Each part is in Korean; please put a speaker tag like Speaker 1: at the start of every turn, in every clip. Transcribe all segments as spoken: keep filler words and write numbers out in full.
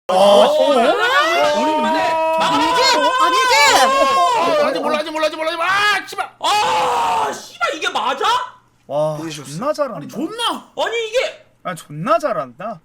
Speaker 1: 아니지 몰라지 몰라지 몰라지 아 씨발
Speaker 2: 아 씨발 이게 맞아?
Speaker 3: 와 존나 잘한다.
Speaker 1: 아니 존나
Speaker 2: 아니 이게
Speaker 3: 아 존나 잘한다.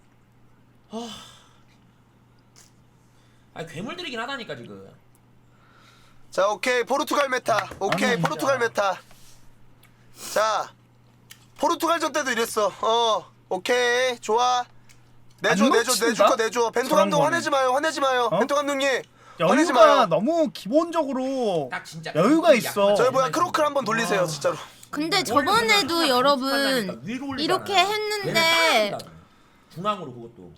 Speaker 2: 아 괴물들이긴 하다니까 지금.
Speaker 4: 자 오케이 포르투갈 메타. 오케이
Speaker 3: 아니,
Speaker 4: 포르투갈 메타. 자 포르투갈전 때도 이랬어. 어 오케이 좋아. 내줘
Speaker 3: 안
Speaker 4: 내줘
Speaker 3: 놓친다?
Speaker 4: 내줄 거 내줘. 벤토
Speaker 3: 저런
Speaker 4: 감독
Speaker 3: 거는.
Speaker 4: 화내지 마요 화내지 마요.
Speaker 3: 어?
Speaker 4: 벤토 감독님 화내지
Speaker 3: 여유가
Speaker 4: 마요.
Speaker 3: 너무 기본적으로
Speaker 2: 딱 진짜
Speaker 3: 여유가 있어.
Speaker 4: 저희 뭐야 크로크를 한번 돌리세요 진짜로.
Speaker 5: 근데 저번에도 여러분 이렇게 했는데
Speaker 2: 중앙으로 그것도.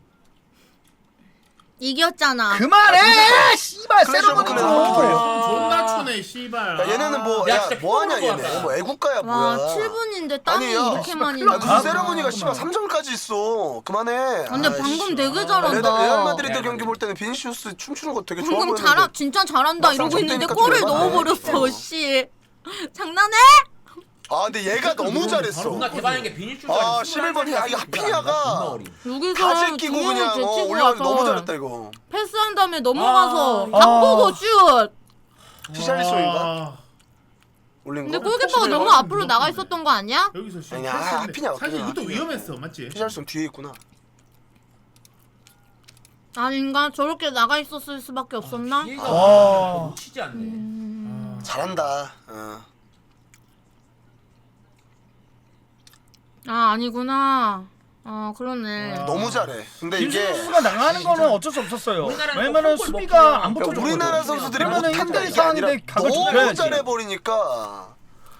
Speaker 5: 이겼잖아.
Speaker 3: 그만해! 씨발
Speaker 4: 클래시 오브 클랜
Speaker 3: 세러머니
Speaker 4: 그래요.
Speaker 3: 좀.
Speaker 1: 존나 추네 씨발
Speaker 4: 야, 얘네는 뭐
Speaker 2: 야,
Speaker 4: 야
Speaker 2: 진짜
Speaker 4: 뭐하냐
Speaker 2: 피곤한 거
Speaker 4: 얘네.
Speaker 2: 같다.
Speaker 4: 뭐 애국가야
Speaker 5: 와
Speaker 4: 뭐야.
Speaker 5: 칠 분인데 땀이
Speaker 4: 아니, 야,
Speaker 5: 이렇게 많이
Speaker 4: 야
Speaker 5: 나.
Speaker 4: 무슨 세레모니가 씨발 삼 점까지 있어. 그만해.
Speaker 5: 근데
Speaker 4: 아이씨.
Speaker 5: 방금 되게
Speaker 4: 레-
Speaker 5: 잘한다.
Speaker 4: 레알 마드리드
Speaker 2: 레알
Speaker 4: 경기
Speaker 2: 마드리드.
Speaker 4: 볼 때는 비니시우스 춤추는 거 되게 좋아
Speaker 5: 방금
Speaker 4: 보였는데.
Speaker 5: 잘하 진짜 잘한다
Speaker 4: 막상
Speaker 5: 이러고 있는데
Speaker 4: 접대니까
Speaker 5: 골을
Speaker 4: 좀
Speaker 5: 넣어버렸어.
Speaker 4: 열받네.
Speaker 5: 씨 장난해?
Speaker 4: 아 근데 얘가 너무 잘했어.
Speaker 2: 존나 대단한 게 비닐줄
Speaker 4: 아 십일 번이 야 이거 하피냐가
Speaker 5: 여기서
Speaker 4: 가지 끼고
Speaker 5: 두 명을
Speaker 4: 그냥 어,
Speaker 5: 제치고
Speaker 4: 올려가지고 너무
Speaker 5: 와서
Speaker 4: 잘했다 이거.
Speaker 5: 패스한 다음에 넘어가서
Speaker 2: 아.
Speaker 5: 바꾸고 슛.
Speaker 4: 히샬리소인가 올린 거?
Speaker 5: 근데 골키퍼가
Speaker 1: 십일
Speaker 5: 너무
Speaker 1: 번
Speaker 5: 앞으로 나가 있었던 거 아니야?
Speaker 1: 여기서 씨
Speaker 4: 아니, 아,
Speaker 1: 패스인데.
Speaker 4: 하피냐,
Speaker 1: 사실
Speaker 4: 하피냐,
Speaker 1: 이것도
Speaker 4: 하피냐.
Speaker 1: 위험했어 맞지?
Speaker 4: 히샬리소 뒤에 있구나.
Speaker 5: 아닌가 저렇게 나가 있었을 수밖에 없었나?
Speaker 2: 기회가
Speaker 3: 와.
Speaker 2: 놓치지 않네.
Speaker 5: 음...
Speaker 4: 잘한다. 어.
Speaker 5: 아 아니구나. 아 그러네.
Speaker 4: 너무 잘해. 근데 이게
Speaker 3: 김준수가 나가는 거는 어쩔 수 없었어요.
Speaker 2: 우리나라는
Speaker 3: 왜냐면은
Speaker 2: 또 골
Speaker 3: 수비가
Speaker 2: 먹고
Speaker 3: 안
Speaker 4: 그러니까
Speaker 3: 붙어줬거든.
Speaker 4: 우리나라 선수들이
Speaker 3: 그러면은
Speaker 4: 못한다는
Speaker 3: 힘든
Speaker 4: 게 아니라
Speaker 3: 상황인데 각을
Speaker 4: 너무
Speaker 3: 좁혀야지.
Speaker 4: 잘해버리니까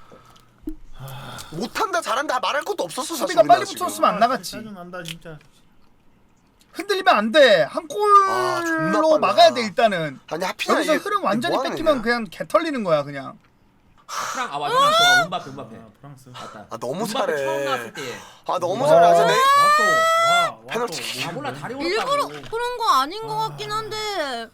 Speaker 4: 못한다 잘한다 말할 것도 없었어 사실.
Speaker 3: 수비가 빨리
Speaker 4: 우리나라 지금.
Speaker 3: 붙었으면 안 나갔지.
Speaker 1: 짜증난다 진짜
Speaker 3: 흔들리면 안 돼. 한
Speaker 4: 아, 존나
Speaker 3: 골로
Speaker 4: 빨라.
Speaker 3: 막아야 돼 일단은.
Speaker 4: 아니 하피냐
Speaker 3: 여기서
Speaker 4: 이게
Speaker 3: 흐름 완전히
Speaker 4: 뭐 하는
Speaker 3: 뺏기면
Speaker 4: 애냐?
Speaker 3: 그냥 개 털리는 거야 그냥.
Speaker 2: 프랑 아 맞아 프랑스 음바페 음바페.
Speaker 1: 아 프랑스
Speaker 2: 맞다.
Speaker 4: 아 너무
Speaker 2: 음바페 처음
Speaker 4: 잘해.
Speaker 2: 나왔을 때.
Speaker 4: 아 너무
Speaker 3: 와.
Speaker 4: 잘해. 아, 내
Speaker 1: 와또 와
Speaker 4: 페널티.
Speaker 2: 아 몰라 다리
Speaker 5: 일부러
Speaker 2: 올랐다고.
Speaker 5: 그런 거 아닌 거 같긴 한데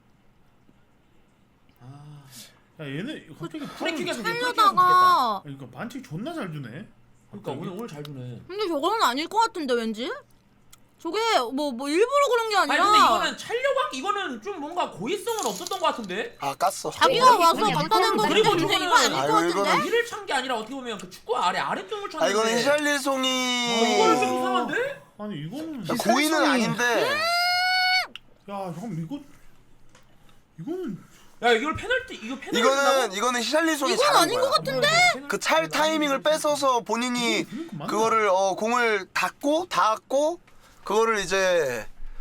Speaker 1: 야 얘네 갑자기
Speaker 2: 프리킥에서
Speaker 5: 살려다가
Speaker 1: 그러니까 반칙 존나 잘 주네.
Speaker 2: 그러니까 오늘 오늘 잘 주네.
Speaker 5: 근데 저거는 아닐 것 같은데 왠지? 저게 뭐 뭐 일부러 그런 게
Speaker 2: 아니
Speaker 5: 아니라
Speaker 2: 근데 이거는 찰려박 이거는 좀 뭔가 고의성은 없었던 것 같은데.
Speaker 4: 아 깠어.
Speaker 5: 자기가
Speaker 2: 여기
Speaker 5: 와서
Speaker 2: 그냥
Speaker 5: 갖다 댄 거기
Speaker 2: 그리고
Speaker 5: 때문에
Speaker 2: 저거는-
Speaker 5: 이거 아닐 것
Speaker 4: 아이고,
Speaker 5: 같은데?
Speaker 4: 이거는-
Speaker 2: 위를 찬 게 아니라 어떻게 보면 그 축구 아래 아래쪽을 쳤는데.
Speaker 4: 아 이거는
Speaker 2: 어,
Speaker 4: 히샬리송이
Speaker 2: 이거는 좀 이상한데?
Speaker 1: 아니 이거는
Speaker 4: 야, 고의는 아닌데
Speaker 1: 야 형 이거 이거는
Speaker 2: 야 이걸 페널티 이거 페널티.
Speaker 4: 이거는 이거는 히샬리송이
Speaker 5: 이건
Speaker 4: 잘한
Speaker 5: 아닌
Speaker 4: 거야.
Speaker 5: 것 같은데?
Speaker 4: 그 찰 타이밍을 뺏어서 본인이
Speaker 1: 그러니까 맞나?
Speaker 4: 그거를 어 공을 닫고 닿았고 그거를 이제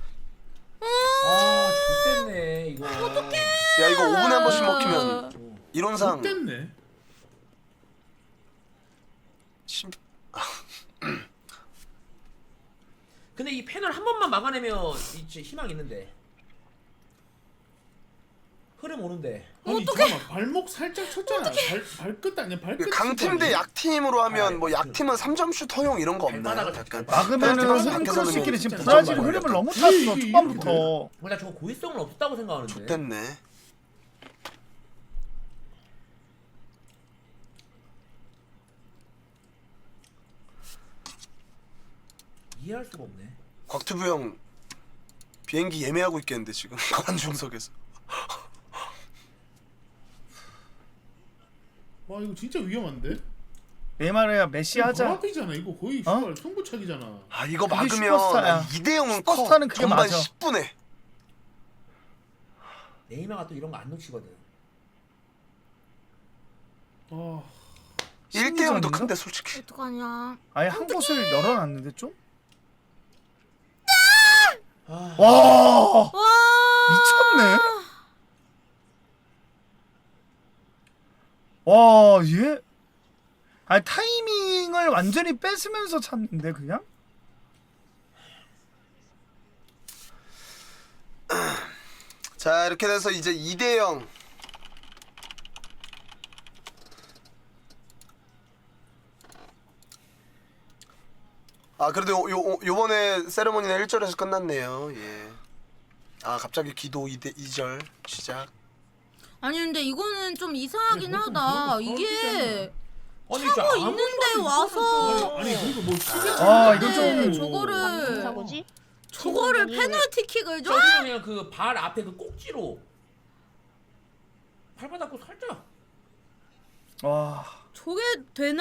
Speaker 2: 아 좋겠네 이거. 어떡해.
Speaker 4: 야 이거 오 분에 한 번씩 먹히면 이론상
Speaker 1: 됐네.
Speaker 4: 심...
Speaker 2: 근데 이 패널 한 번만 막아내면 이제 희망 있는데. 흐름 오는데.
Speaker 1: 아니 잠깐만 발목 살짝 쳤잖아. 발 발끝 아니야 발끝.
Speaker 4: 강팀 대 약팀으로 하면 뭐 약팀은 삼 점 슛 허용 이런 거 없나요?
Speaker 2: 발바닥을
Speaker 4: 약간
Speaker 3: 막으면은
Speaker 4: 페널티
Speaker 3: 흐름
Speaker 4: 밖에서는
Speaker 3: 크로스끼리 지금
Speaker 4: 진짜
Speaker 3: 브라질
Speaker 4: 좀
Speaker 3: 흐름을
Speaker 4: 약간
Speaker 3: 너무 탔어
Speaker 1: 이게
Speaker 3: 초반부터.
Speaker 2: 나 저거 고의성은 없다고 생각하는데.
Speaker 4: 좋댔네.
Speaker 2: 이해할 수가 없네.
Speaker 4: 곽튜브 형 비행기 예매하고 있겠는데 지금 관중석에서.
Speaker 1: 와 이거 진짜 위험한데?
Speaker 3: 내 말이야 메시
Speaker 1: 바로
Speaker 3: 하자.
Speaker 1: 앞이잖아 이거 거의
Speaker 3: 어?
Speaker 1: 씨발 승부차기잖아.
Speaker 4: 아 이거
Speaker 3: 그게
Speaker 4: 막으면
Speaker 3: 슈퍼스타야.
Speaker 4: 이 대 영은 커.
Speaker 3: 슈퍼스타는 그게
Speaker 4: 전반
Speaker 3: 맞아.
Speaker 4: 십 분에.
Speaker 2: 네이마가 또 이런 거 안 놓치거든.
Speaker 1: 아
Speaker 4: 일 대 영도
Speaker 3: 심리전인가?
Speaker 4: 큰데 솔직히.
Speaker 5: 어떡하냐?
Speaker 3: 아예 한 곳을 열어놨는데 좀?
Speaker 2: 아.
Speaker 3: 와
Speaker 5: 와
Speaker 3: 미쳤네. 와 얘. 아니 타이밍을 완전히 뺏으면서 찼는데 그냥?
Speaker 4: 자 이렇게 돼서 이제 이 대 영. 아 그래도 요, 요, 요번에 세레모니는 일 절에서 끝났네요. 예. 아 갑자기 기도 이 절 시작.
Speaker 5: 아니 근데 이거는 좀 이상하긴
Speaker 1: 아니, 그것도
Speaker 5: 하다.
Speaker 1: 그것도
Speaker 5: 이게
Speaker 2: 아니,
Speaker 5: 차고
Speaker 2: 진짜
Speaker 5: 있는데
Speaker 2: 아무리
Speaker 5: 와서
Speaker 1: 아니 그리고 뭐 시계
Speaker 3: 아,
Speaker 5: 네,
Speaker 3: 이건 좀-
Speaker 5: 저거를
Speaker 6: 사고지?
Speaker 5: 저거를 페널티킥을 줘?
Speaker 2: 저기는 그냥 그 발 앞에 그 꼭지로 발바닥고 살짝.
Speaker 3: 와.
Speaker 5: 저게 되나?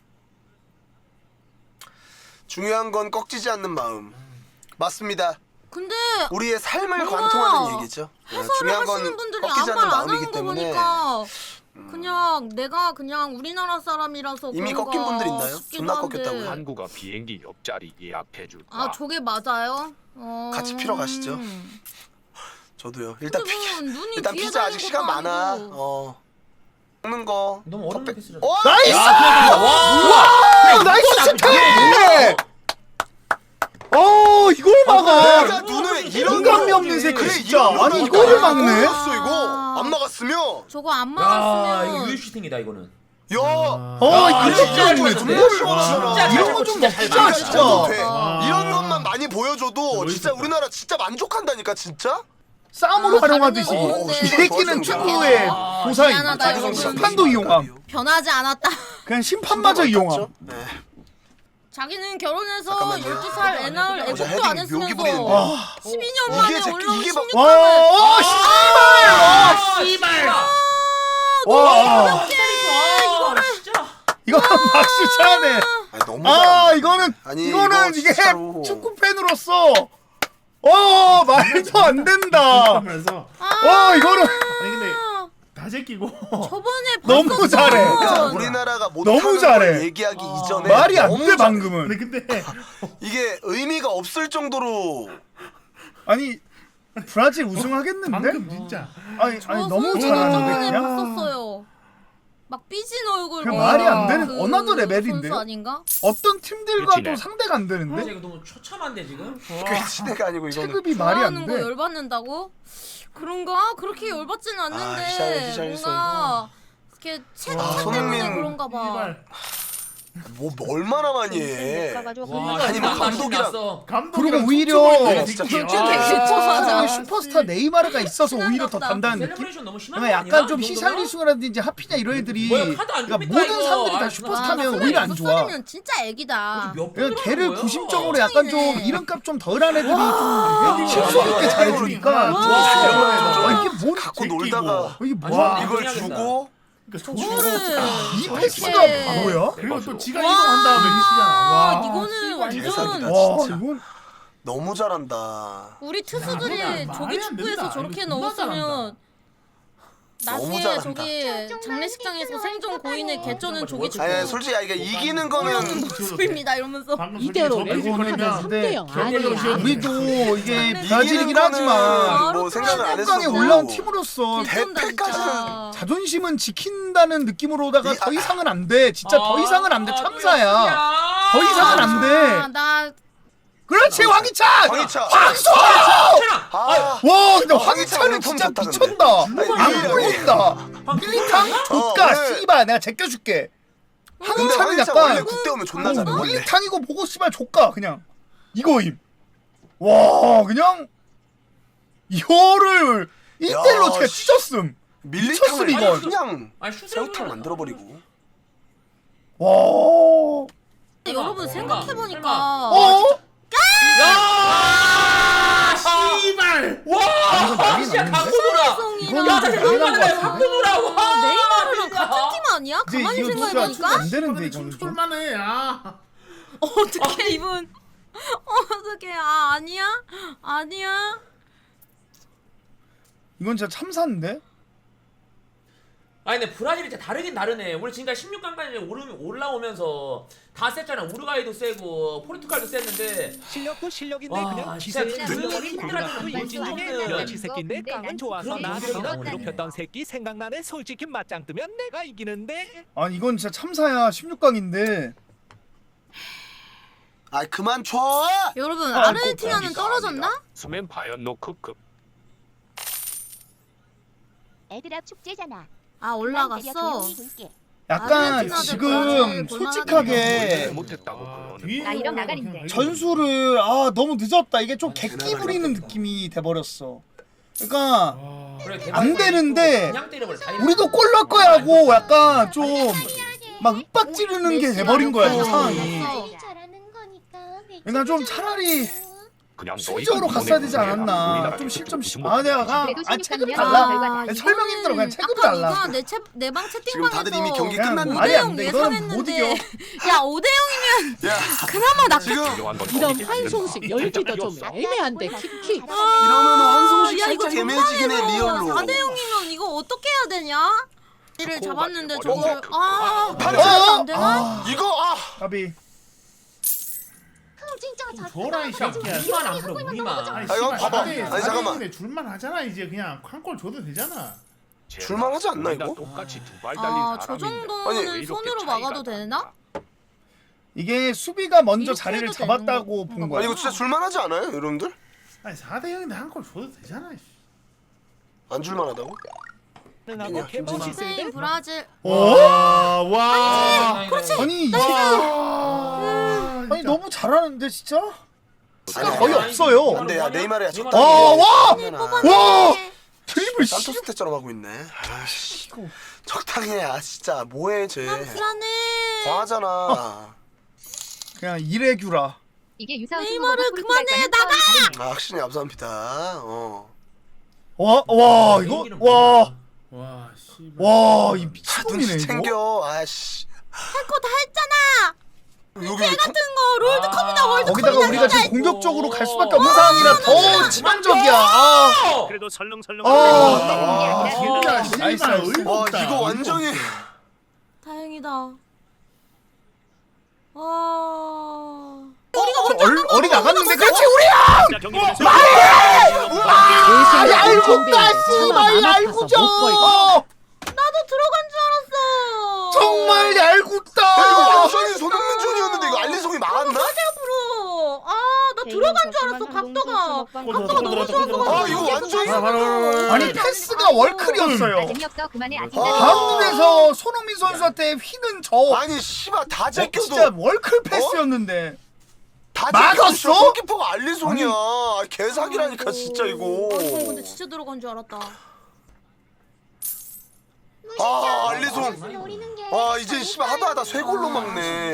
Speaker 4: 중요한 건 꺾이지 않는 마음. 맞습니다.
Speaker 5: 근데
Speaker 4: 우리의 삶을
Speaker 5: 뭔가
Speaker 4: 관통하는 얘기죠. 네,
Speaker 5: 해설을
Speaker 4: 중요한 건
Speaker 5: 하시는 분들이
Speaker 4: 꺾이지
Speaker 5: 아무
Speaker 4: 않는
Speaker 5: 말 안
Speaker 4: 마음이기
Speaker 5: 하는 거
Speaker 4: 때문에.
Speaker 5: 보니까 그냥 내가 그냥 우리나라 사람이라서
Speaker 4: 이미
Speaker 5: 그런가
Speaker 4: 꺾인 분들 있나요?
Speaker 5: 싶기도
Speaker 4: 존나
Speaker 5: 한데.
Speaker 4: 꺾였다고요?
Speaker 6: 한국어 비행기 옆자리 예약해줄까?
Speaker 5: 아 저게 맞아요? 어...
Speaker 4: 같이 피러 가시죠. 저도요. 일단
Speaker 5: 근데
Speaker 4: 피자.
Speaker 5: 뭐 눈이
Speaker 4: 일단
Speaker 5: 뒤에
Speaker 4: 피자 아직
Speaker 5: 달린
Speaker 4: 시간
Speaker 5: 것도
Speaker 4: 많아.
Speaker 5: 아니고.
Speaker 4: 어. 먹는 거.
Speaker 2: 너무 어렵게
Speaker 4: 컵백-
Speaker 2: 쓰려.
Speaker 4: 어?
Speaker 3: 나이스!
Speaker 2: 와!
Speaker 3: 나이스 스텝! 어 이걸 막아.
Speaker 4: 내가 눈을 이런
Speaker 3: 인간미
Speaker 4: 거-
Speaker 3: 없는 새끼
Speaker 4: 그래,
Speaker 3: 진짜.
Speaker 4: 이런
Speaker 3: 아니
Speaker 4: 거
Speaker 3: 이거를
Speaker 4: 안
Speaker 3: 막네.
Speaker 4: 막았어, 이거. 안 막았으면.
Speaker 5: 저거 안
Speaker 2: 야,
Speaker 5: 막았으면
Speaker 2: 이거 유효슈팅이다 이거는.
Speaker 4: 야.
Speaker 3: 어
Speaker 2: 아,
Speaker 3: 이거
Speaker 2: 진짜
Speaker 3: 진짜
Speaker 2: 잘
Speaker 3: 좋네.
Speaker 2: 쳤네.
Speaker 3: 정말
Speaker 2: 진짜 잘
Speaker 3: 이런 거
Speaker 2: 쳤어,
Speaker 3: 좀
Speaker 2: 진짜 잘
Speaker 3: 먹자
Speaker 2: 쳤어.
Speaker 3: 진짜.
Speaker 4: 저도 돼.
Speaker 5: 와.
Speaker 4: 이런 것만 많이 보여줘도 진짜
Speaker 1: 멋있었다.
Speaker 4: 우리나라 진짜 만족한다니까 진짜.
Speaker 3: 싸움으로
Speaker 5: 아,
Speaker 3: 활용하듯이
Speaker 5: 다른 건
Speaker 3: 이
Speaker 5: 없는데.
Speaker 3: 새끼는
Speaker 4: 좋았어,
Speaker 3: 축구의
Speaker 2: 좋았어.
Speaker 3: 고사임.
Speaker 5: 미안하다,
Speaker 3: 자기성
Speaker 5: 여러분.
Speaker 3: 심판도 이용함.
Speaker 5: 변하지 않았다.
Speaker 3: 그냥 심판마저 이용함.
Speaker 4: 네.
Speaker 5: 자기는 결혼해서
Speaker 4: 잠깐만요.
Speaker 5: 열두 살 애 낳을
Speaker 4: 어제
Speaker 5: 애국도 안
Speaker 4: 헤딩 묘기
Speaker 5: 했으면서
Speaker 4: 부리는데.
Speaker 3: 와.
Speaker 5: 십이 년
Speaker 4: 이게
Speaker 5: 만에
Speaker 4: 새끼,
Speaker 5: 올라온
Speaker 4: 이게 막-
Speaker 5: 십육 강을
Speaker 3: 와, 어, 씨발!
Speaker 2: 아, 씨발.
Speaker 3: 와,
Speaker 2: 이거를 진짜.
Speaker 3: 이거 박수 차네.
Speaker 4: 아니, 너무
Speaker 3: 아,
Speaker 4: 잘한다.
Speaker 3: 이거는
Speaker 4: 아니,
Speaker 3: 이거는
Speaker 4: 이거
Speaker 3: 이게
Speaker 4: 진짜로.
Speaker 3: 축구 팬으로서 어 말도 안 된다.
Speaker 1: 하면서
Speaker 3: 어 이거는
Speaker 1: 아니 근데 다 제끼고
Speaker 5: 저번에
Speaker 3: 너무
Speaker 5: 봤었던
Speaker 3: 잘해.
Speaker 4: 그러니까 우리나라가 못하는
Speaker 3: 너무 잘해.
Speaker 4: 걸 얘기하기 이전에
Speaker 3: 말이 안
Speaker 4: 너무
Speaker 3: 돼
Speaker 4: 잘해.
Speaker 3: 방금은.
Speaker 1: 근데 근데
Speaker 4: 이게 의미가 없을 정도로
Speaker 3: 아니 브라질 우승하겠는데?
Speaker 1: 방금 진짜
Speaker 3: 아니
Speaker 5: 저
Speaker 3: 아니 너무
Speaker 5: 선수는
Speaker 3: 잘하는데
Speaker 5: 저번에
Speaker 3: 그냥.
Speaker 5: 봤었어요. 막 삐진 얼굴.
Speaker 3: 그
Speaker 5: 뭐
Speaker 3: 말이 안 되는
Speaker 5: 그
Speaker 3: 어나더 레벨인데요?
Speaker 5: 선수 아닌가?
Speaker 3: 어떤 팀들과도
Speaker 6: 그치네.
Speaker 3: 상대가 안 되는데
Speaker 2: 진짜 이거 너무 처참한데 지금.
Speaker 4: 그 시대가 아니고 이거는
Speaker 3: 체급이 말이
Speaker 5: 좋아하는
Speaker 3: 안
Speaker 5: 거
Speaker 3: 돼.
Speaker 5: 열받는다고? 그렇게 그렇게 열받지는 않는데
Speaker 4: 희한해, 희한했어,
Speaker 5: 뭔가 이렇게 체중
Speaker 4: 아,
Speaker 5: 때문에
Speaker 4: 손흥민.
Speaker 5: 그런가 봐.
Speaker 1: 이발
Speaker 4: 뭐 얼마나 많이 해.
Speaker 2: 와,
Speaker 4: 아니, 뭐 감독이랑-
Speaker 2: 났어.
Speaker 1: 감독이랑
Speaker 3: 그리고 오히려
Speaker 1: 촉촉하게
Speaker 4: 진짜
Speaker 1: 제끼고.
Speaker 5: 좀
Speaker 1: 아,
Speaker 5: 슈퍼스타잖아.
Speaker 3: 슈퍼스타 네이마르가 있어서 오히려 더 단단한 느낌?
Speaker 2: 셀레브레이션 너무 심한
Speaker 3: 그러니까
Speaker 2: 거 아니야?
Speaker 3: 약간 좀
Speaker 2: 이 정도면?
Speaker 3: 히샬리숭이라든지 하피냐 이런 애들이
Speaker 2: 뭐야, 카드 안
Speaker 3: 그러니까
Speaker 2: 줍니까,
Speaker 3: 모든
Speaker 2: 이거?
Speaker 3: 사람들이 다
Speaker 2: 아,
Speaker 3: 슈퍼스타면
Speaker 2: 아,
Speaker 3: 오히려 안
Speaker 5: 스무
Speaker 3: 좋아.
Speaker 5: 살이면 진짜 애기다.
Speaker 2: 몇
Speaker 3: 그러니까
Speaker 2: 분으로
Speaker 3: 걔를
Speaker 2: 하는 거야?
Speaker 3: 구심적으로 약간 좀
Speaker 5: 짱이네.
Speaker 3: 이름값 좀 덜한 애들이 좀 실속 있게 잘해주니까
Speaker 1: 와.
Speaker 3: 아, 이게 뭔
Speaker 4: 갖고
Speaker 1: 제끼고.
Speaker 4: 놀다가
Speaker 3: 이게
Speaker 2: 아,
Speaker 3: 뭐야?
Speaker 4: 이걸
Speaker 2: 해야겠다.
Speaker 4: 주고
Speaker 1: 그러니까
Speaker 5: 저거를
Speaker 3: 이
Speaker 5: 저렇게-
Speaker 3: 패스가 뭐야?
Speaker 1: 그리고 또 지가
Speaker 5: 와.
Speaker 1: 이동한 다음에 미치잖아.
Speaker 5: 아,
Speaker 1: 와.
Speaker 5: 이거는 완전
Speaker 4: 대박이다.
Speaker 3: 와
Speaker 4: 진짜.
Speaker 3: 이건
Speaker 4: 너무 잘한다.
Speaker 5: 우리 투수들이
Speaker 1: 말이 안
Speaker 5: 조기 축구에서
Speaker 1: 된다.
Speaker 5: 저렇게
Speaker 1: 이거 존나
Speaker 5: 넣었으면
Speaker 4: 너무
Speaker 5: 나중에
Speaker 4: 잘한다.
Speaker 5: 저기 장례식장에서 생존 고인의 개쩌는 조기 축구
Speaker 4: 아니 솔직히 아, 이게 이기는
Speaker 5: 올라오는
Speaker 4: 거는
Speaker 5: 모습입니다 이러면서
Speaker 1: 방금
Speaker 7: 이대로
Speaker 1: 솔직히 저
Speaker 3: 이거는
Speaker 1: 삐질거리면
Speaker 3: 근데
Speaker 1: 결별로
Speaker 7: 아니야.
Speaker 1: 지었는데.
Speaker 3: 우리도 이게
Speaker 5: 이기는
Speaker 3: 브라질이긴 하지만
Speaker 4: 뭐 생각을 안
Speaker 3: 십육 강에
Speaker 4: 했었고
Speaker 3: 올라온 팀으로서
Speaker 5: 개쩐다
Speaker 4: 대패까지는
Speaker 5: 진짜.
Speaker 3: 자존심은 지킨다는 느낌으로다가
Speaker 4: 이-
Speaker 3: 더
Speaker 4: 아-
Speaker 3: 이상은 안 돼. 진짜 더
Speaker 2: 아,
Speaker 3: 이상은 안 돼.
Speaker 2: 아,
Speaker 3: 참사야. 더
Speaker 2: 또
Speaker 3: 이상은 안
Speaker 5: 아,
Speaker 3: 돼.
Speaker 5: 나
Speaker 3: 그렇지 황희찬.
Speaker 4: 황희찬.
Speaker 3: 황소.
Speaker 4: 아,
Speaker 3: 와 근데
Speaker 4: 어,
Speaker 3: 황희찬은
Speaker 4: 황희찬은
Speaker 3: 진짜
Speaker 4: 폼 좋다,
Speaker 3: 미쳤다.
Speaker 4: 근데.
Speaker 3: 안
Speaker 4: 아니,
Speaker 3: 보인다. 밀리탕 조까
Speaker 4: 어, 네.
Speaker 3: 씨발 내가 제껴줄게.
Speaker 4: 근데
Speaker 3: 황희찬은
Speaker 4: 황희찬 원래
Speaker 3: 약간
Speaker 4: 국대 오면 존나
Speaker 3: 어,
Speaker 4: 잘해 원래.
Speaker 3: 밀리탕이고 보고 씨발 조까 그냥 이거임. 와 그냥 이거를 일 대일로
Speaker 4: 야,
Speaker 3: 제가
Speaker 4: 씨.
Speaker 3: 찢었음.
Speaker 4: 밀리탕을
Speaker 3: 미쳤음,
Speaker 2: 이거.
Speaker 4: 그냥
Speaker 2: 아니 슛을
Speaker 4: 새우탕
Speaker 2: 해보면-
Speaker 4: 만들어버리고.
Speaker 3: 와.
Speaker 5: 근데 여러분
Speaker 2: 설마,
Speaker 5: 생각해보니까
Speaker 2: 설마.
Speaker 3: 어?
Speaker 2: 야!
Speaker 1: 씨발.
Speaker 2: 와!
Speaker 3: 이건 난리
Speaker 2: 진짜
Speaker 3: 났는데?
Speaker 2: 갖고 놀아.
Speaker 5: 성이랑
Speaker 2: 야,
Speaker 3: 이건
Speaker 2: 진짜
Speaker 3: 난리 난것
Speaker 2: 너무하네.
Speaker 3: 같은데?
Speaker 2: 갖고 놀아. 와!
Speaker 5: 네이마르랑
Speaker 2: 진짜.
Speaker 5: 같은 팀 아니야?
Speaker 3: 이제
Speaker 5: 가만히
Speaker 3: 이거 진짜
Speaker 5: 생각해보니까
Speaker 3: 안 되는데 이거는 좀.
Speaker 1: 춤출만해. 아.
Speaker 5: 어떻게 이분 어떻게 아 아니야 아니야
Speaker 3: 이건 진짜 참사인데?
Speaker 2: 아니 근데 브라질이 진짜 다르긴 다르네. 우리 지금까지 십육 강까지 올라오면서 다 셌잖아. 우루과이도 세고 포르투갈도 셌는데
Speaker 7: 실력도 실력인데
Speaker 2: 와,
Speaker 7: 그냥
Speaker 2: 진짜
Speaker 7: 기세를
Speaker 2: 그
Speaker 7: 부리더니
Speaker 2: 힘들어하는
Speaker 7: 고등학교
Speaker 2: 건
Speaker 7: 일진 중에
Speaker 2: 뭔지
Speaker 7: 여치 새끼인데 깡은 좋아서
Speaker 2: 그런
Speaker 7: 나
Speaker 2: 인생이
Speaker 7: 저런
Speaker 2: 나오네.
Speaker 7: 괴롭혔던 새끼 생각나네. 솔직히 맞짱 뜨면 내가 이기는데.
Speaker 3: 아니 이건 진짜 참사야. 십육 강인데.
Speaker 4: 아 그만 쳐.
Speaker 5: 여러분
Speaker 3: 아,
Speaker 5: 아르헨티나는 떨어졌나?
Speaker 6: 수면 바연 노크급.
Speaker 8: 애들아 축제잖아.
Speaker 5: 아 올라갔어
Speaker 3: 약간
Speaker 5: 아르헨티나도
Speaker 3: 지금
Speaker 5: 브라질
Speaker 3: 솔직하게
Speaker 6: 못했다고
Speaker 1: 아,
Speaker 6: 그러는.
Speaker 1: 뒤에
Speaker 8: 나 이런
Speaker 1: 올라가면
Speaker 8: 나가린데.
Speaker 1: 그냥
Speaker 3: 전술을 아 너무 늦었다. 이게 좀 객기 부리는 느낌이 돼버렸어. 그러니까
Speaker 1: 와.
Speaker 2: 그래,
Speaker 3: 안 되는데
Speaker 2: 그냥 때려버려. 다
Speaker 3: 우리도 골 넣을 거야 하고 약간 좀 막 윽박 지르는 게 돼버린 거야 이 상황이.
Speaker 8: 잘하는 거니까.
Speaker 3: 그러니까 좀 차라리
Speaker 6: 그냥
Speaker 3: 수비적으로
Speaker 6: 너희가
Speaker 3: 갔어야 되지
Speaker 6: 보내고
Speaker 3: 않았나.
Speaker 6: 우리나라에
Speaker 3: 좀 실점
Speaker 6: 무슨
Speaker 3: 아 내가
Speaker 8: 그래도
Speaker 3: 아 체급이
Speaker 8: 십육
Speaker 3: 달라.
Speaker 8: 강이면
Speaker 5: 아,
Speaker 3: 설명 힘들어. 그냥 체급이
Speaker 5: 아까
Speaker 3: 달라.
Speaker 5: 누가 내방
Speaker 4: 지금
Speaker 5: 채팅방에서
Speaker 4: 다들 이미 경기
Speaker 3: 그냥
Speaker 4: 끝났는데.
Speaker 3: 말이 안 돼.
Speaker 5: 오 대 영
Speaker 3: 이거는 못
Speaker 5: 예상했는데
Speaker 3: 이겨.
Speaker 5: 야 오 대 영이면
Speaker 4: 야
Speaker 5: 그나마 나
Speaker 4: 지금
Speaker 6: 중요한 건
Speaker 9: 이런
Speaker 6: 거기에
Speaker 9: 환송식 열기도 좀
Speaker 6: 살짝
Speaker 9: 애매한데 키키.
Speaker 4: 이러면 환송식
Speaker 5: 야 이거
Speaker 4: 살짝 애매해지긴 해 리얼로.
Speaker 5: 사 대 영이면 이거 어떻게 해야 되냐? 이를
Speaker 6: 스코어가
Speaker 5: 잡았는데
Speaker 6: 어려워.
Speaker 5: 저걸 아
Speaker 4: 팔
Speaker 5: 팔이
Speaker 4: 점.
Speaker 5: 안 되나?
Speaker 3: 아
Speaker 4: 이거 아
Speaker 3: 까비.
Speaker 1: 줘라 이 새끼야.
Speaker 2: 우리만 안 불어 우리만.
Speaker 1: 아니
Speaker 4: 아, 이거
Speaker 1: 씨발
Speaker 4: 봐봐.
Speaker 1: 사 대
Speaker 4: 아니, 잠깐만.
Speaker 1: 사 대 줄만 하잖아 이제 그냥 한 골 줘도 되잖아.
Speaker 4: 줄만 하지 않나, 이거?
Speaker 6: 똑같이 두 발 달린
Speaker 5: 아, 저
Speaker 6: 사람인데
Speaker 5: 정도는
Speaker 6: 왜 이렇게
Speaker 5: 손으로
Speaker 6: 차이가
Speaker 5: 막아도
Speaker 6: 나나?
Speaker 5: 되나?
Speaker 3: 이게 수비가 먼저
Speaker 5: 이렇게
Speaker 3: 자리를
Speaker 5: 해도
Speaker 3: 잡았다고
Speaker 5: 되는
Speaker 3: 본
Speaker 5: 건가
Speaker 3: 거야.
Speaker 4: 아니 이거 진짜 줄만 하지 않아요 여러분들?
Speaker 1: 아니 사 대 영인데 한 골 줘도 되잖아. 씨.
Speaker 4: 안 줄만 하다고?
Speaker 7: 하고 개봉식
Speaker 5: 스페인,
Speaker 7: 쓸때
Speaker 5: 브라질
Speaker 3: 어?
Speaker 1: 와, 와.
Speaker 2: 그렇지.
Speaker 3: 아니
Speaker 1: 와.
Speaker 3: 아니 너무 잘하는데 진짜? 시간
Speaker 4: 아니,
Speaker 3: 거의
Speaker 4: 아니,
Speaker 3: 없어요.
Speaker 4: 근데 야 네이마르야 저
Speaker 3: 아, 와! 와!
Speaker 4: 와
Speaker 3: 드리블 씨.
Speaker 4: 산토스 때처럼 하고 있네. 아씨 적당히 해. 아 진짜 뭐해 쟤.
Speaker 5: 불안해.
Speaker 4: 과하잖아.
Speaker 3: 그냥 이레규라.
Speaker 8: 이게 유사한
Speaker 5: 네이마르 그만해 나가.
Speaker 4: 아 확실히 감사합니다. 어.
Speaker 3: 와, 와 이거 와,
Speaker 1: 와, 씨발.
Speaker 3: 와 이
Speaker 4: 아,
Speaker 3: 미친놈이네
Speaker 4: 눈치
Speaker 3: 이거.
Speaker 4: 챙겨. 아씨.
Speaker 5: 할 거 다 했잖아.
Speaker 4: 여기
Speaker 5: 개 같은 거 롤드컵이다 월드컵이다.
Speaker 3: 거기다가 우리가 지금
Speaker 5: 진짜.
Speaker 3: 공격적으로 갈 수밖에 없는 상황이라 더 치명적이야. 아,
Speaker 6: 그래도 설렁설렁
Speaker 3: 아,
Speaker 1: 아, 진짜
Speaker 3: 나이스,
Speaker 1: 씨발
Speaker 3: 나이스.
Speaker 1: 의미
Speaker 4: 와
Speaker 1: 없다.
Speaker 4: 이거 완전히.
Speaker 5: 다행이다. 와.
Speaker 3: 저 얼, 어리 나갔는데 그렇지 우리야. 아, 얄궂다 씨발 얄궂어.
Speaker 5: 나도 들어간 줄 알았어.
Speaker 3: 정말
Speaker 4: 야 이거
Speaker 3: 얄궂다.
Speaker 4: 완전히 손흥민존이었는데 이거 알리송이 막았나?
Speaker 5: 앞으로. 아, 나 들어간 줄 알았어. 각도가. 각도가 너무 좋아서.
Speaker 4: 아 이거 완전히.
Speaker 1: 바로, 바로, 바로.
Speaker 3: 아니 패스가 월클이었어요.
Speaker 8: 재미없어 그만해 아직
Speaker 4: 아.
Speaker 3: 방금에서 손흥민 선수한테 휘는 저
Speaker 4: 아니 씨발 다
Speaker 3: 어,
Speaker 4: 제껴도
Speaker 3: 진짜 월클 패스였는데
Speaker 4: 다
Speaker 3: 막았어?
Speaker 4: 제껴도 골키퍼가 알리송이야. 아, 개사기라니까 진짜 이거.
Speaker 5: 아, 이건 근데 진짜 들어간 줄 알았다.
Speaker 4: 아 알리송. 와 이제 씨발 하다 하다 세 골로 막네.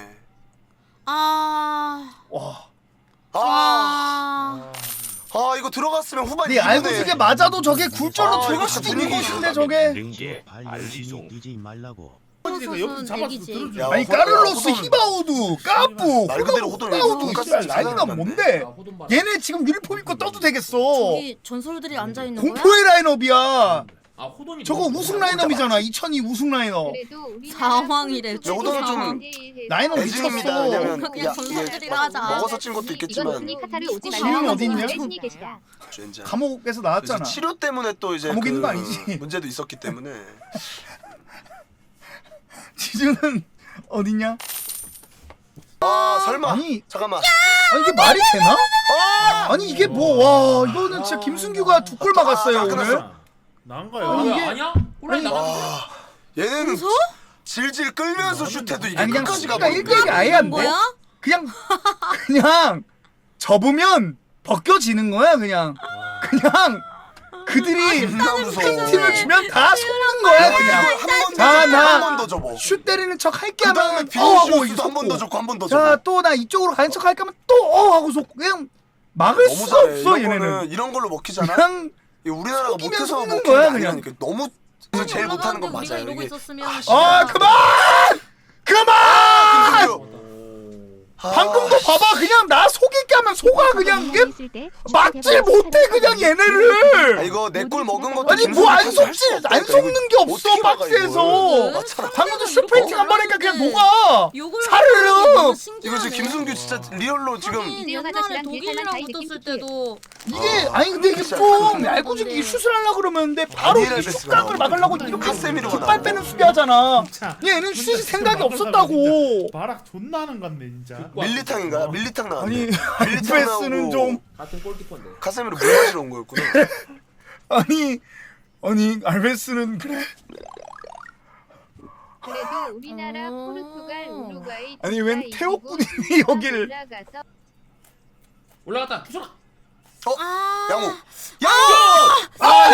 Speaker 5: 아.
Speaker 3: 와.
Speaker 4: 아,
Speaker 5: 아.
Speaker 4: 아 이거 들어갔으면 후반
Speaker 3: 네 알고지게 맞아도 저게 굴절로
Speaker 4: 아,
Speaker 3: 들어갈
Speaker 4: 이거
Speaker 3: 수도
Speaker 4: 진짜
Speaker 3: 있는
Speaker 4: 분위기
Speaker 3: 것인데 저게.
Speaker 6: 능게 알리송
Speaker 10: 뛰지 말라고.
Speaker 1: 이거 옆에서 잡아서
Speaker 5: 얘기지.
Speaker 1: 들어줘.
Speaker 4: 야,
Speaker 3: 아니
Speaker 4: 호돈,
Speaker 3: 까를로스
Speaker 4: 호돈.
Speaker 3: 히바우두 까뿌
Speaker 4: 말 그대로 호돈
Speaker 3: 호바우두
Speaker 4: 돈가스
Speaker 3: 씨발
Speaker 4: 집
Speaker 3: 라인업
Speaker 4: 찾아놨네.
Speaker 3: 뭔데?
Speaker 2: 아, 호돈 봐.
Speaker 3: 얘네 지금 유니폼 입고 떠도 되겠어.
Speaker 5: 저기 전설들이 앉아 있는 거야?
Speaker 3: 공포의 라인업이야.
Speaker 2: 아 호돈이
Speaker 3: 저거
Speaker 2: 너무
Speaker 3: 우승
Speaker 2: 좋아.
Speaker 3: 라인업이잖아. 이천이 우승 라인업.
Speaker 5: 상황이래.
Speaker 4: 호돈은 좀
Speaker 3: 라인업
Speaker 4: 애증입니다.
Speaker 3: 미쳤어.
Speaker 4: 왜냐면
Speaker 5: 그냥
Speaker 4: 야,
Speaker 5: 전설들이라
Speaker 4: 야,
Speaker 5: 하자.
Speaker 4: 먹어서 찐 것도 있겠지만
Speaker 8: 카타를 오지
Speaker 5: 지금
Speaker 8: 말라고
Speaker 3: 어디 있냐?
Speaker 8: 신이 계시다.
Speaker 4: 젠장.
Speaker 3: 감옥에서
Speaker 4: 그래서
Speaker 3: 나왔잖아.
Speaker 4: 치료 때문에 또 이제
Speaker 3: 감옥
Speaker 4: 그
Speaker 3: 있는 거 아니지?
Speaker 4: 문제도 있었기 때문에.
Speaker 3: 지주는 어딨냐?
Speaker 4: 아 설마.
Speaker 3: 아니,
Speaker 4: 잠깐만.
Speaker 3: 아니 이게 말이 되나?
Speaker 4: 아!
Speaker 3: 아니 이게 뭐 와 이거는 진짜 김승규가 두 골 막았어요
Speaker 4: 아,
Speaker 3: 오늘.
Speaker 4: 끝났어.
Speaker 1: 난
Speaker 2: 아,
Speaker 1: 거야.
Speaker 3: 아니,
Speaker 2: 뭐야,
Speaker 3: 이게-
Speaker 2: 아니야? 혼란이
Speaker 3: 아니,
Speaker 2: 나갔는데?
Speaker 4: 와 얘는 질질 끌면서 슛해도 이게
Speaker 3: 아니 그냥
Speaker 4: 끝까지
Speaker 3: 수비가
Speaker 4: 가버리네.
Speaker 3: 일 대 일이 아예 안 돼.
Speaker 5: 뭐야?
Speaker 3: 그냥 그냥 접으면 벗겨지는 거야 그냥. 그냥 그들이
Speaker 4: 존나 무서워.
Speaker 3: 팬팀을 주면 다 속는 거야 그냥. 자, 나
Speaker 4: 한번 더 접어.
Speaker 3: 슛 때리는 척 할게
Speaker 4: 그 다음에
Speaker 3: 하면 어 하고
Speaker 4: 비니시우스도 한 번 더 접고 한 번 더
Speaker 3: 자
Speaker 4: 접어.
Speaker 3: 또 나 이쪽으로 가는 척 할게 하면 또 어 하고 속 그냥 막을
Speaker 4: 너무
Speaker 3: 수가
Speaker 4: 잘해.
Speaker 3: 없어
Speaker 4: 이런
Speaker 3: 얘네는.
Speaker 4: 거는 이런 걸로 먹히잖아.
Speaker 3: 그냥
Speaker 4: 이게 우리나라가
Speaker 3: 속이면
Speaker 4: 못해서
Speaker 3: 속는
Speaker 4: 먹히는
Speaker 3: 거야,
Speaker 4: 게
Speaker 3: 그냥.
Speaker 4: 아니라니까. 너무 제일 못하는 건
Speaker 5: 우리가
Speaker 4: 맞아요.
Speaker 5: 이러고
Speaker 4: 이게
Speaker 5: 있었으면
Speaker 3: 아 그만 그만
Speaker 4: 김승규. 아,
Speaker 3: 방금도 봐봐 그냥 나 속이게 하면 속아 그냥 이게 막질 못해 그냥
Speaker 4: 아,
Speaker 3: 얘네를.
Speaker 4: 이거 내 골 먹은 것도
Speaker 3: 아니 뭐 안
Speaker 4: 김승규 탓할
Speaker 3: 속지
Speaker 4: 수 없다니까.
Speaker 3: 안 속는 게 없어
Speaker 4: 어떻게 막아,
Speaker 3: 박스에서.
Speaker 4: 이걸. 맞잖아.
Speaker 3: 방금도 슈퍼히팅 한 번 하니까 그냥 녹아.
Speaker 5: 욕을
Speaker 3: 사르르.
Speaker 5: 하는 게 너무
Speaker 4: 이거
Speaker 5: 신기하네.
Speaker 4: 지금 김승규 진짜 리얼로 지금
Speaker 5: 하긴 옛날에 독일이랑 붙었을 때도
Speaker 3: 이게 아니 근데 이게
Speaker 4: 진짜
Speaker 3: 좀
Speaker 4: 그건
Speaker 3: 얄궂게 슛을 하려고 그러는데 바로
Speaker 4: 아니라
Speaker 3: 이
Speaker 4: 됐어.
Speaker 3: 슛각을 막으려고 이렇게
Speaker 4: 카세미로가
Speaker 3: 뒷발
Speaker 4: 나오고.
Speaker 3: 빼는 수비하잖아.
Speaker 1: 진짜.
Speaker 3: 얘는 슛이 생각이
Speaker 1: 진짜
Speaker 3: 없었다고.
Speaker 1: 바락 존나 하는 건데 진짜.
Speaker 4: 밀리탕인가? 밀리탕 나왔네.
Speaker 3: 아니
Speaker 4: 밀리탕
Speaker 3: 알베스는
Speaker 4: 나오고
Speaker 3: 좀
Speaker 2: 같은 골키퍼인데.
Speaker 4: 카세미로 물 마시러 온 거였구나.
Speaker 3: 아니 아니 알베스는 그래.
Speaker 8: 그래도 우리나라,
Speaker 5: 어.
Speaker 8: 포르투갈, 우루과이
Speaker 3: 아니, 웬
Speaker 8: 이기고
Speaker 3: 태호꾼이
Speaker 8: 우리나라
Speaker 3: 여기를-
Speaker 8: 올라가서
Speaker 2: 올라갔다 주소라.
Speaker 5: 아.
Speaker 4: 양호.
Speaker 3: 아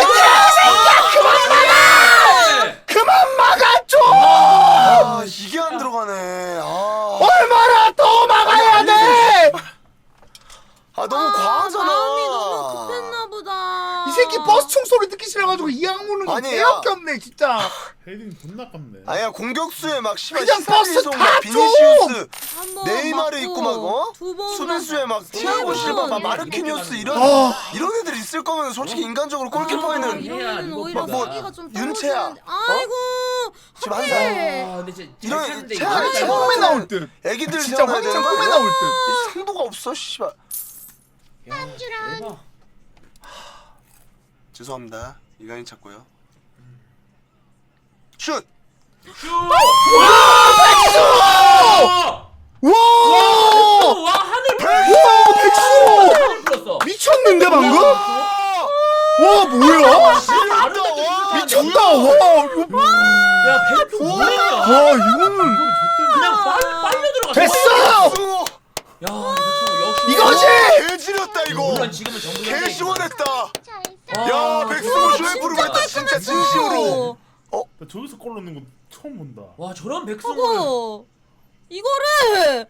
Speaker 3: 그만 막아줘.
Speaker 4: 아 이게 안 들어가네. 아,
Speaker 3: 얼마나 더 막아야 돼.
Speaker 4: 아 아 너무
Speaker 5: 아,
Speaker 4: 과하잖아.
Speaker 5: 마음이 너무 급했나 보다.
Speaker 3: 이 새끼 버스 총 소리 듣기 싫어가지고 이악 물는 거
Speaker 4: 아니야.
Speaker 3: 개밖에 없네 진짜.
Speaker 1: 헤딩 존나 깝네.
Speaker 4: 아니야 공격수에 막 씨발
Speaker 3: 그냥 버스
Speaker 4: 시사리송,
Speaker 3: 다
Speaker 4: 막
Speaker 3: 줘!
Speaker 4: 비니시우스,
Speaker 5: 한번
Speaker 4: 네이마르
Speaker 5: 맞고,
Speaker 4: 있고 막 어?
Speaker 5: 두 번,
Speaker 4: 수비수에 막 티아고
Speaker 5: 번.
Speaker 4: 실바, 막 마르키뉴스 이런
Speaker 3: 어.
Speaker 4: 이런 애들 있을 거면 솔직히 인간적으로
Speaker 5: 아,
Speaker 4: 골키퍼에는
Speaker 5: 이러면은 오히려
Speaker 2: 뭐,
Speaker 5: 수비가 좀
Speaker 4: 윤채야,
Speaker 5: 떨어지는데. 아이고.
Speaker 4: 지금 한
Speaker 5: 하필.
Speaker 4: 살.
Speaker 2: 아, 근데 진짜
Speaker 4: 이런
Speaker 2: 잘 쳤는데
Speaker 4: 차-
Speaker 2: 이거
Speaker 3: 황
Speaker 4: 차-
Speaker 3: 참 꿈에 나올 듯.
Speaker 4: 애기들
Speaker 3: 진짜
Speaker 4: 태어나야
Speaker 3: 황 참
Speaker 4: 되는 거
Speaker 3: 꿈에
Speaker 4: 아니야?
Speaker 3: 나올 듯.
Speaker 4: 이 상도가 없어 씨발.
Speaker 2: 대박.
Speaker 4: 죄송합니다. 이강인 찾고요. 슛.
Speaker 2: 슛!
Speaker 3: 와!
Speaker 2: 와 하늘
Speaker 3: 와 백수!
Speaker 2: 하늘 불었어.
Speaker 3: 미쳤는데 방금? 와 뭐야? 미쳤다. 와 이거
Speaker 2: 야 백수 뭐야?
Speaker 3: 와 이거는
Speaker 2: 그냥 빨 빨려 들어갔어.
Speaker 3: 됐어.
Speaker 4: 백승호.
Speaker 2: 야 백수 역시.
Speaker 3: 이거지.
Speaker 4: 개 지렸다 이거.
Speaker 2: 물론 지금은 전부
Speaker 4: 개 시원했다.
Speaker 2: 아,
Speaker 4: 야 백승호 쇼에프로
Speaker 5: 진짜
Speaker 4: 했다 진짜 진심으로.
Speaker 1: 나 저기서 골 넣는 거 처음 본다.
Speaker 2: 와 저런 백승호를.
Speaker 5: 하고 이거를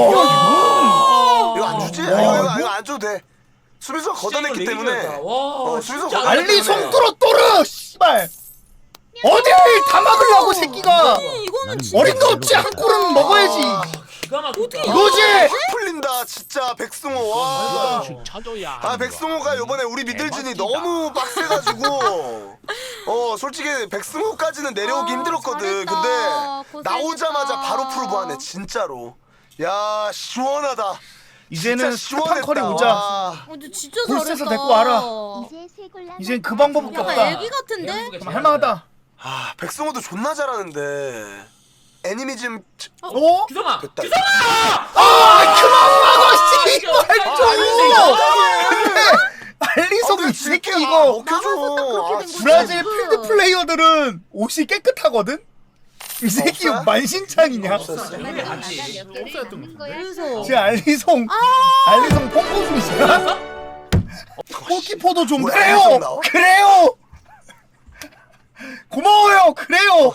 Speaker 3: 와
Speaker 4: 이거 안 주지?
Speaker 3: 와,
Speaker 4: 이거, 이거,
Speaker 3: 이거?
Speaker 4: 이거 안 줘도 돼. 수비수가 걷어냈기
Speaker 2: 진짜 이거
Speaker 4: 때문에.
Speaker 2: 레이저였다. 와
Speaker 4: 어, 수비수가
Speaker 2: 진짜
Speaker 4: 걷어냈기
Speaker 3: 알리
Speaker 4: 때문에.
Speaker 3: 송뚜러 또르 씨발. 어딜 다 막으려고 새끼가.
Speaker 5: 이거는 진짜
Speaker 3: 어림도 없지 한 골은 먹어야지.
Speaker 2: 아, 기가 막히다.
Speaker 3: 이거지.
Speaker 4: 확 풀린다 진짜 백승호 와.
Speaker 7: 쳐줘야
Speaker 4: 아 백승호가 요번에 우리 미들진이 너무 빡세가지고 어 솔직히 백승호까지는 내려오기
Speaker 5: 아,
Speaker 4: 힘들었거든.
Speaker 5: 잘했다.
Speaker 4: 근데
Speaker 5: 고생했다.
Speaker 4: 나오자마자 바로 프로브하네 진짜로. 야 시원하다.
Speaker 3: 이제는
Speaker 4: 진짜
Speaker 3: 스테판 커리
Speaker 4: 시원했다.
Speaker 3: 오자.
Speaker 4: 와.
Speaker 5: 어, 근데 진짜
Speaker 3: 골
Speaker 5: 잘했다.
Speaker 3: 쎄서 데리고 와라. 이젠 그 방법밖에
Speaker 5: 약간
Speaker 3: 없다.
Speaker 5: 애기 같은데?
Speaker 3: 그럼 할만하다.
Speaker 4: 아 백승호도 존나 잘하는데 애니미즘
Speaker 3: 어?
Speaker 2: 규성아.
Speaker 4: 됐다.
Speaker 3: 아 그만 막아 씨발
Speaker 2: 아,
Speaker 3: 좀. 근데 알리송 이 새끼 이거
Speaker 5: 나가서 딱 그렇게
Speaker 4: 아,
Speaker 5: 된 거지.
Speaker 3: 브라질 필드 플레이어들은 옷이 깨끗하거든. 이 새끼
Speaker 4: 없어요?
Speaker 3: 만신창이냐?
Speaker 4: 없었어.
Speaker 2: 근데 같이.
Speaker 5: 그래서
Speaker 3: 제 알리송 알리송 pompo중이잖아. 골키퍼도 좀
Speaker 4: 뭐야,
Speaker 3: 그래요.
Speaker 4: 알리송 나와?
Speaker 3: 그래요. 고마워요. 그래요.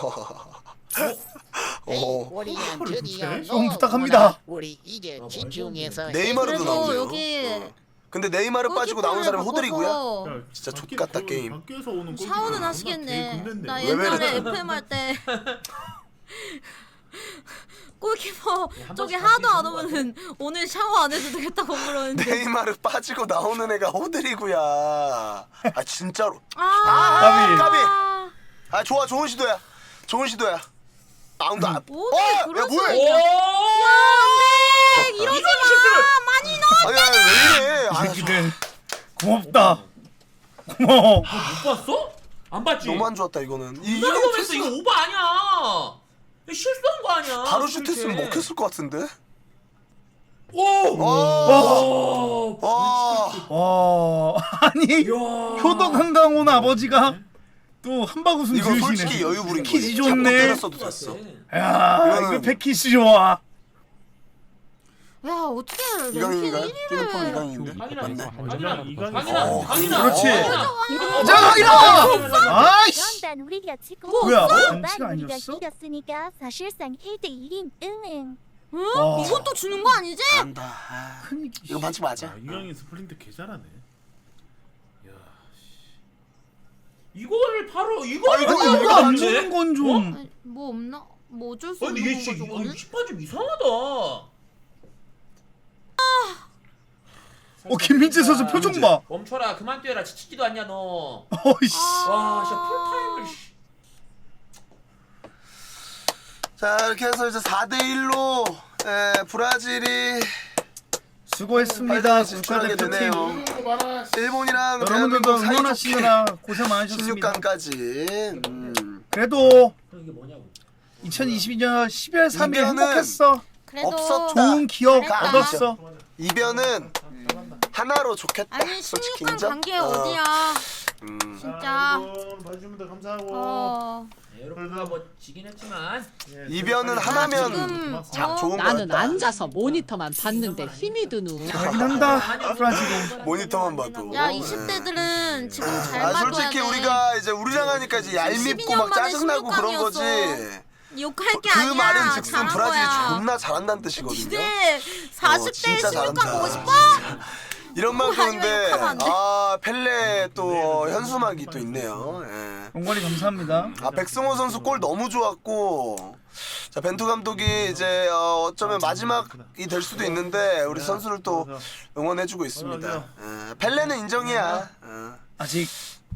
Speaker 4: 어.
Speaker 9: 우리는 드디어
Speaker 3: 좀 부탁합니다.
Speaker 9: 우리 이제 집중해서
Speaker 4: 네이마르도
Speaker 5: 그래도
Speaker 4: 나오죠.
Speaker 5: 여기
Speaker 4: 어. 근데 네이마르 빠지고 나오는 사람이 호들이고요.
Speaker 5: 바꿔서
Speaker 1: 야,
Speaker 4: 진짜
Speaker 1: 밖에
Speaker 4: 족같다,
Speaker 1: 골-
Speaker 4: 게임.
Speaker 1: 밖에서 오는 골
Speaker 5: 샤워는
Speaker 1: 존나
Speaker 5: 하시겠네.
Speaker 1: 개근대인데.
Speaker 5: 나
Speaker 4: 왜
Speaker 5: 옛날에
Speaker 4: 그래?
Speaker 5: 에프엠 할 때 골키퍼
Speaker 2: 한
Speaker 5: 저기
Speaker 2: 번씩
Speaker 5: 하도 안
Speaker 2: 바뀌는 거
Speaker 5: 오면은 오늘 샤워 안 해도 되겠다고 그러는데.
Speaker 4: 네이마르 빠지고 나오는 애가 호들이구야. 아 진짜로.
Speaker 5: 아,
Speaker 3: 까비.
Speaker 4: 까비. 아 좋아 좋은 시도야. 좋은 시도야. 아무도 안.
Speaker 5: 어떻게
Speaker 4: 어? 야
Speaker 5: 그럴
Speaker 4: 뭐야?
Speaker 5: 수가
Speaker 2: 오.
Speaker 5: 있냐? 안돼 이러지
Speaker 2: 이런 실수를.
Speaker 5: 마 많이 넣어.
Speaker 4: 아니 아니 왜 이래?
Speaker 3: 이
Speaker 4: 아,
Speaker 3: 새끼들 고맙다. 고마워.
Speaker 2: 못 봤어? 안 봤지?
Speaker 4: 너무 안 좋았다 이거는. 이
Speaker 2: 이거
Speaker 4: 이거
Speaker 2: 보면서
Speaker 4: 패스가
Speaker 2: 이거 오버 아니야. 이거 실수한 거 아니야.
Speaker 4: 바로 슛했으면
Speaker 2: 이렇게.
Speaker 4: 먹혔을 것 같은데.
Speaker 2: 오.
Speaker 4: 와.
Speaker 2: 오.
Speaker 4: 와.
Speaker 3: 와 아니
Speaker 2: 이야.
Speaker 3: 효덕 한강 온 아버지가 또 한바구음
Speaker 4: 이거
Speaker 3: 지으시네.
Speaker 4: 솔직히 여유 부린 거야.
Speaker 3: 패키지
Speaker 4: 잡고
Speaker 3: 좋네.
Speaker 4: 때렸어도 됐어.
Speaker 3: 야
Speaker 4: 이거는-
Speaker 3: 이거 패키지 좋아.
Speaker 5: 야 어떻게 랭킹
Speaker 4: 이강인인가요?
Speaker 5: 일
Speaker 4: 뛰는
Speaker 5: 위를
Speaker 4: 이강인인데.
Speaker 2: 강인아,
Speaker 4: 맞네.
Speaker 2: 강인아,
Speaker 1: 이강인.
Speaker 2: 강인아,
Speaker 4: 어,
Speaker 2: 강인아.
Speaker 3: 그렇지.
Speaker 2: 강인아.
Speaker 3: 자 강인아. 아이씨.
Speaker 10: 그런 우리가 지금
Speaker 3: 뭐야,
Speaker 10: 반반
Speaker 3: 반칙
Speaker 10: 우리가
Speaker 3: 아니었어?
Speaker 10: 이겼으니까 사실상 일 대 일임. 응.
Speaker 5: 응?
Speaker 3: 와.
Speaker 5: 이건 또 주는 거 아니지?
Speaker 4: 안다. 아,
Speaker 3: 큰일이지.
Speaker 4: 이거 반칙 맞아.
Speaker 1: 아, 이강인 스플린트 개 잘하네. 야,
Speaker 2: 이거를 바로
Speaker 4: 아,
Speaker 2: 이거를
Speaker 4: 이거-
Speaker 2: 바로
Speaker 3: 이거 안
Speaker 2: 안
Speaker 3: 주는
Speaker 2: 돼?
Speaker 3: 건 좀.
Speaker 5: 아니, 뭐 없나? 뭐 어쩔 수
Speaker 2: 아니
Speaker 5: 없는
Speaker 2: 이게
Speaker 5: 건가
Speaker 2: 씨,
Speaker 5: 저거는?
Speaker 2: 십 번 좀 이상하다.
Speaker 3: 어 김민재 선수 표정 봐.
Speaker 2: 멈춰라, 그만 뛰어라. 지치지도 않냐 너.
Speaker 3: 어이씨.
Speaker 2: 와, 진짜 풀타임을. 씨.
Speaker 4: 자 이렇게 해서 이제 사 대 일로 에, 브라질이
Speaker 3: 수고했습니다.
Speaker 4: 파이널에 진출하게
Speaker 3: 국가대표팀.
Speaker 4: 되네요.
Speaker 1: 이거 봐라.
Speaker 4: 일본이랑
Speaker 3: 여러분들도
Speaker 4: 대한민국 사이좋게
Speaker 3: 응원하시느라 고생 많으셨습니다.
Speaker 4: 십육 강까지. 음.
Speaker 3: 그래도
Speaker 2: 이게 뭐냐고.
Speaker 3: 이천이십이 년 십이월 삼일
Speaker 4: 이변은
Speaker 3: 행복했어.
Speaker 5: 그래도
Speaker 4: 없었다.
Speaker 3: 좋은 기억
Speaker 5: 잘했다.
Speaker 3: 얻었어.
Speaker 4: 이변은 하나로 좋겠다.
Speaker 5: 아니
Speaker 4: 솔직히
Speaker 5: 십육 강
Speaker 4: 인정?
Speaker 5: 간게
Speaker 4: 어.
Speaker 5: 어디야?
Speaker 4: 음.
Speaker 5: 진짜.
Speaker 1: 여러분 봐주시면 돼 감사하고.
Speaker 5: 어.
Speaker 2: 네, 여러분과 뭐 지긴 했지만
Speaker 1: 예,
Speaker 4: 이변은
Speaker 1: 빨리
Speaker 4: 하나면
Speaker 5: 지금
Speaker 4: 자,
Speaker 5: 어?
Speaker 4: 좋은
Speaker 9: 나는
Speaker 4: 거였다.
Speaker 9: 앉아서 모니터만 봤는데 힘이 드누.
Speaker 3: 잘긴 한다. 브라질은.
Speaker 4: 모니터만 봐도.
Speaker 5: 야
Speaker 4: 네.
Speaker 5: 이십 대들은 지금 잘
Speaker 4: 아
Speaker 5: 봐줘야
Speaker 4: 솔직히
Speaker 5: 돼.
Speaker 4: 우리가 이제 우리랑 하니까 이제 얄밉고 막 짜증나고 그런 거지.
Speaker 5: 욕할 게
Speaker 4: 그
Speaker 5: 아니야.
Speaker 4: 말은 즉슨
Speaker 5: 잘한
Speaker 4: 브라질이
Speaker 5: 거야.
Speaker 4: 존나 잘한다는 뜻이거든요.
Speaker 5: 니네 사십 대
Speaker 4: 진짜
Speaker 5: 십육 강
Speaker 4: 잘한다.
Speaker 5: 보고 싶어?
Speaker 4: 이런 만큼
Speaker 5: 아니면
Speaker 4: 근데
Speaker 5: 욕하면 안 돼.
Speaker 4: 아 펠레 또 어, 현수막이 또 있네요. 예.
Speaker 3: 용건이 감사합니다.
Speaker 4: 아 백승호 선수 골 너무 좋았고 자 벤투 감독이 이제 어, 어쩌면 마지막이 될 수도 있는데 우리 선수를 또 응원해주고 있습니다. 예. 펠레는 인정이야. 어.
Speaker 3: 아직